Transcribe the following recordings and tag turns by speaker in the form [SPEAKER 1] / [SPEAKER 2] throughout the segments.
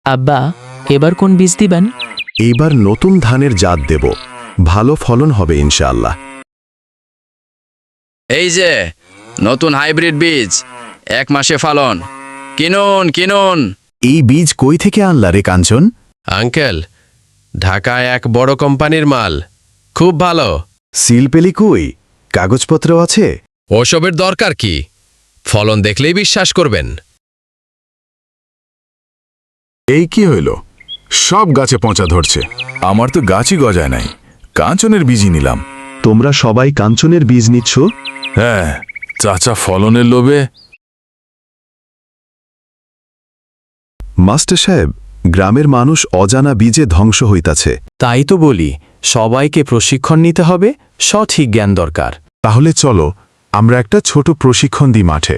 [SPEAKER 1] আব্বা, এবার কোন বীজ দিবেন?
[SPEAKER 2] এইবার নতুন ধানের জাত দেব, ভালো ফলন হবে ইনশাআল্লাহ।
[SPEAKER 3] এই যে নতুন হাইব্রিড বীজ, 1 মাসে ফলন। কিনুন কিনুন।
[SPEAKER 2] এই বীজ কই থেকে আনলা রে কাঞ্চন?
[SPEAKER 4] আঙ্কেল, ঢাকায় এক বড় কোম্পানির মাল, খুব ভালো।
[SPEAKER 2] সিল পেলি কই? কাগজপত্র আছে?
[SPEAKER 4] ওসবের দরকার কি, ফলন দেখলেই বিশ্বাস করবেন।
[SPEAKER 5] এই কি হইল? সব গাছে পচা ধরছে। আমার তো গাছই গজায় নাই, কাঞ্চনের বীজই নিলাম।
[SPEAKER 2] তোমরা সবাই কাঞ্চনের বীজ নিচ্ছ?
[SPEAKER 5] হ্যাঁ, চাচা ফলনের লোভে।
[SPEAKER 2] মাস্টার সাহেব, গ্রামের মানুষ অজানা বীজে ধ্বংস হইতাছে।
[SPEAKER 6] তাই তো বলি, সবাইকে প্রশিক্ষণ নিতে হবে, সঠিক জ্ঞান দরকার।
[SPEAKER 5] তাহলে চলো আমরা একটা ছোট প্রশিক্ষণ দিই মাঠে।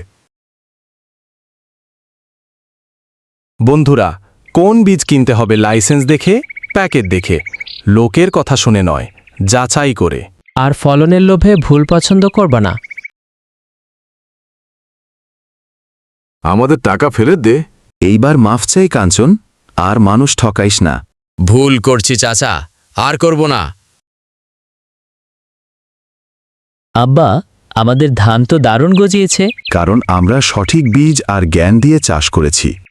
[SPEAKER 6] বন্ধুরা, কোন বীজ কিনতে হবে লাইসেন্স দেখে, প্যাকেট দেখে, লোকের কথা শুনে নয়, যাচাই করে।
[SPEAKER 1] আর ফলনের লোভে ভুল পছন্দ করবা না।
[SPEAKER 5] আমাদের টাকা ফেরত দে।
[SPEAKER 2] এইবার মাফ চাই কাঞ্চন, আর মানুষ ঠকাইস না।
[SPEAKER 3] ভুল করছি চাচা, আর করব না।
[SPEAKER 1] আব্বা, আমাদের ধান তো দারুণ গজিয়েছে।
[SPEAKER 2] কারণ আমরা সঠিক বীজ আর জ্ঞান দিয়ে চাষ করেছি।